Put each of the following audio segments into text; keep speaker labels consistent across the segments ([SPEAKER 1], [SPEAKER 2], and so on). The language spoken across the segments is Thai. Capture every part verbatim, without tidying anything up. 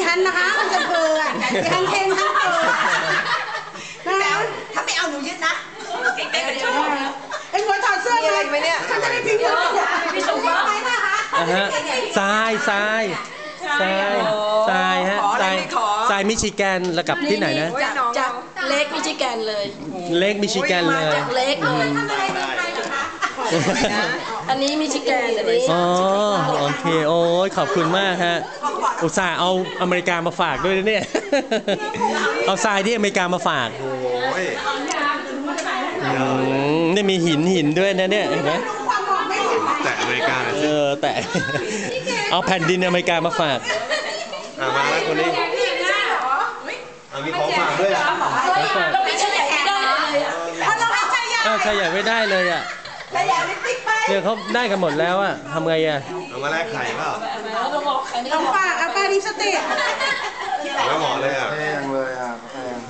[SPEAKER 1] ฉันนะคะมันจะเพลินทั้งเทนทั้งเพลินนะถ้าไม่เอาหนูยึดนะไอ้หัวถอดเสื้อเลยฉันจะได้พิมพ์พี่ชมว่า
[SPEAKER 2] ทรายทรายทรายทรายฮะทรายทรายมิชิแกนแล้วกับที่ไหนนะ
[SPEAKER 3] จากเล็กมิชิแกนเลย
[SPEAKER 2] เล็กมิชิแกนเลย
[SPEAKER 3] จากเล็กเลยอันนี้มิชิแกนอันนี้
[SPEAKER 2] อ๋อโอเคโอ้ยขอบคุณมากฮะอุตส่าห์เอาอเมริกามาฝากด้วยนะเนี่ยเอาทรายที่อเมริกามาฝากนี่มีหินหินด้วยนะเนี่ยเห็นไหม
[SPEAKER 4] แต่อเมริกา
[SPEAKER 2] เออแต่เอาแผ่นดินอเมริกามาฝาก
[SPEAKER 4] มาแล้วคนนี้มีของฝากด้วยอ่ะ
[SPEAKER 3] เราไม่ใช่ใหญ่ไม่ได้เลยอ่ะ
[SPEAKER 2] อ้าวใช่ใหญ่ไม่ได้เลยอ่ะเนี่ยเขาได้กันหมดแล้วอ่ะทำไงอ่ะ
[SPEAKER 4] เอามาแลกไข่เปล่า
[SPEAKER 1] เอาฝากเอาป้าดิสเตท
[SPEAKER 4] แล้วหมอเลยอ่ะ
[SPEAKER 5] แพงเลยอ่ะแพง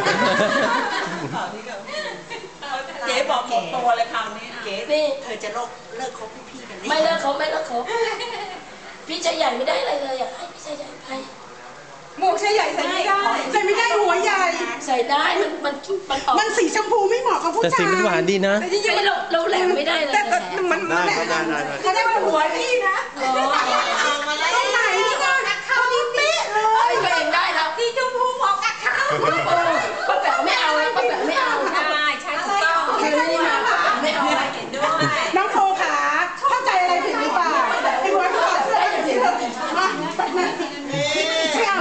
[SPEAKER 6] เจ๊บอกหมดตัวเลยคราวนี้
[SPEAKER 3] เจ๊นี่
[SPEAKER 1] เธอจะเลิกเลิกคบพี่กัน
[SPEAKER 3] ไม่เลิกคบไม่เลิกคบพี่ชายใหญ่ไม่ได้อะไรเลยอ่ะให้พี่ชายใหญ่ไป
[SPEAKER 1] หมวกชายใหญ่ใส่ไม่ได้ใส่ไม่ได้หัวใหญ่
[SPEAKER 3] ใส่ได้มันมันมันออก
[SPEAKER 1] มันสีชมพูไม่เหมาะกับผู้ชาย
[SPEAKER 2] แต่สีมันหวานดีนะ
[SPEAKER 3] แต่จริงๆเราเราแหลมไม่ได้เลย
[SPEAKER 1] แต่มันมันแหลมเขาได้หัวพี่นะตรงไหนนี่ก็เขาดีเป๊ะเลย
[SPEAKER 3] ตัวเองได้ครับ
[SPEAKER 1] สีชมพูเหมาะกับเขา
[SPEAKER 3] ป้าแป๋วไม่เอาเลยป้าแป๋วไม่เอา
[SPEAKER 6] ใช่ใช่ถูกต้อง
[SPEAKER 3] ไม่เอา
[SPEAKER 6] เห็นด้วย
[SPEAKER 1] น้องโฟขาเข้าใจอะไรผิดหรือเปล่าไอ้หัวถอดเสื้ออย่างนี้มาแบบนั้นไม่เอา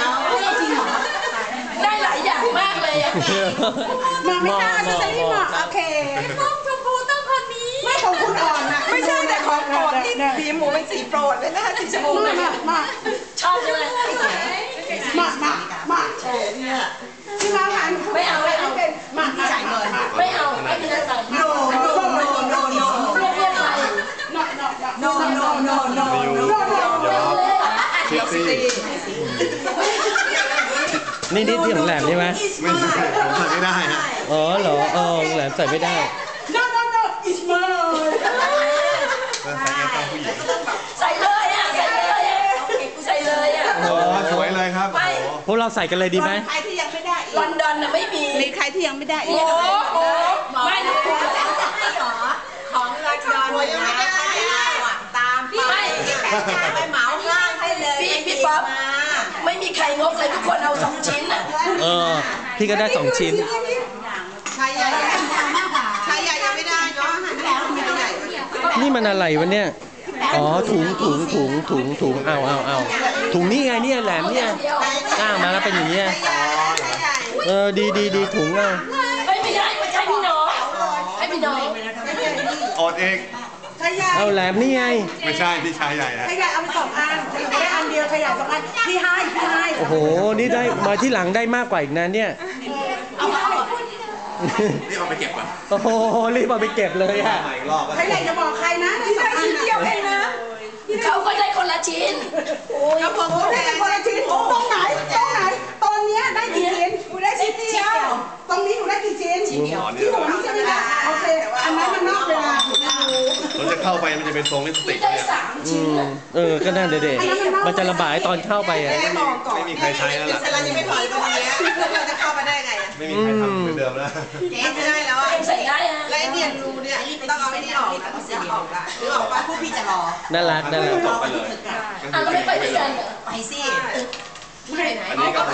[SPEAKER 3] ได้หลายอย่างมากเลยอ่ะ
[SPEAKER 1] มาไม่ได้จะใช้ที่เหมาะโอเคต้องชมพูต้องคนนี้ไม่ของคุณอ่อนนะ
[SPEAKER 6] ไม่ใช่แต่ของโปรดที่สีหมูเป็นสีโปรดเลยนะสีชมพู
[SPEAKER 1] มามา
[SPEAKER 3] ชอบใช่ไหม
[SPEAKER 1] มามามาใช่เนี่ยที่มาผ่าน
[SPEAKER 3] ไม่เอาไม่เอา
[SPEAKER 1] มาที่จ่ายเงิน
[SPEAKER 3] ไม่เอาไม่ได้ใส่
[SPEAKER 1] โนโนโนโนโน
[SPEAKER 3] เรียกเรียกใคร
[SPEAKER 1] โนโนโนโนโนโนโน
[SPEAKER 4] เซ็กซี่
[SPEAKER 2] นี่นี่ที่ของแหลมใช่ไหม
[SPEAKER 4] ไม่ใช่ผมใส่ไม่ได้ฮะ
[SPEAKER 2] อ๋อเหรอเออแหลมใส่ไม่ได้
[SPEAKER 1] no no no it's mine
[SPEAKER 3] ใส่เลยอ่ะใส่เลยอ่ะใส่เลยอ่ะ
[SPEAKER 4] โอ้สวยเลยครับ
[SPEAKER 2] พวกเราใส่กันเลยดีไหม
[SPEAKER 1] ใครที่ยังไม่ได้
[SPEAKER 3] ลอนดอนน่ะไม่มี
[SPEAKER 1] มีใครที่ยังไม่ได้
[SPEAKER 3] โอ้โหไม่นะคุณ
[SPEAKER 6] ไม่หรอของลอนดอนยังไม่ได้ตามไปไปเหมาง่ายให้เลย
[SPEAKER 3] พี่พี่ป๊อปไม่มีใครงกเลยทุกคนเอาสองชิ้นอ่ะ
[SPEAKER 2] เออพี่ก็ได้สองชิ้น
[SPEAKER 1] ชายใหญ่ชายใหญ่ยังไม่ได้เนาะ
[SPEAKER 2] นี่มันอะไรวะเนี่ยอ๋อถุงถุงถุงถุงถุงเอาเอาเอาถุงนี่ไงเนี่ยแหลมเนี่ยก้างมาแล้วเป็นอย่างเงี้ยเออดีดีดีถุงอ่ะ
[SPEAKER 3] ไม่ไม่ได้ไม่ใช่พี่น้องให้พี่น้อง
[SPEAKER 4] อดเอง
[SPEAKER 2] เอาแหลมนี่ไง
[SPEAKER 4] ไม่ใช่พี่ชายใหญ่
[SPEAKER 1] ชายใหญ่เอาไปสองอันแค่อันเดียวชายใหญ่สองอันพี่ให้พี่ให้
[SPEAKER 2] โอ้โหนี่ได้มาที่หลังได้มากกว่าอีกนะเนี่ย
[SPEAKER 4] นี่เอาไปเก็บก่อน
[SPEAKER 2] โอ้โหรีบเอาไปเก็บเลยอ่ะ
[SPEAKER 1] ชายใหญ่จะบอกใครนะที่ได้ชิ้นเดียวเองนะ
[SPEAKER 3] เขาก็ได้คนละชิ้น
[SPEAKER 1] โอ้ยผมได้คนละชิ้นตรงไหนตรงไหนตอนนี้ได้กี่ชิ้นหนูได้ชิ้นเดียวตรงนี้หนูได้กี่ชิ้นชิ้นเดียวที่หนูนี่ใช่ไหมคะโอเคอันนั้นมันนอกเวลา
[SPEAKER 4] เราจะเข้าไปมันจะเป็นทรงลิปสติก
[SPEAKER 3] เนี่ย
[SPEAKER 2] เออก็นั่นเด็ดๆมันจะระบายตอนเข้าไปอ่ะ
[SPEAKER 4] ไม่มีใครใช้แล้วล่ะ
[SPEAKER 1] เรายังไม่ถอยตรงนี้เราจะเข้ามาได้ไงอ่ะ
[SPEAKER 4] ไม่มีใครทำเหมือนเดิมแล้ว
[SPEAKER 1] เจ๊ไม่ได้แล้วอ่ะ
[SPEAKER 3] ใส่ได้อ่ะ
[SPEAKER 1] และไอเนี่ยรูเนี่ยต้องเอาไอ้นี่ออกนะเสียออกละหรือออกไปพวกพี่จะรอ
[SPEAKER 2] น่ารักน่ารัก
[SPEAKER 4] ต่อไปเลย
[SPEAKER 3] อ่ะเราไม่ไปด้วยกัน
[SPEAKER 1] ไปสิ
[SPEAKER 4] อันนี้ก็ไป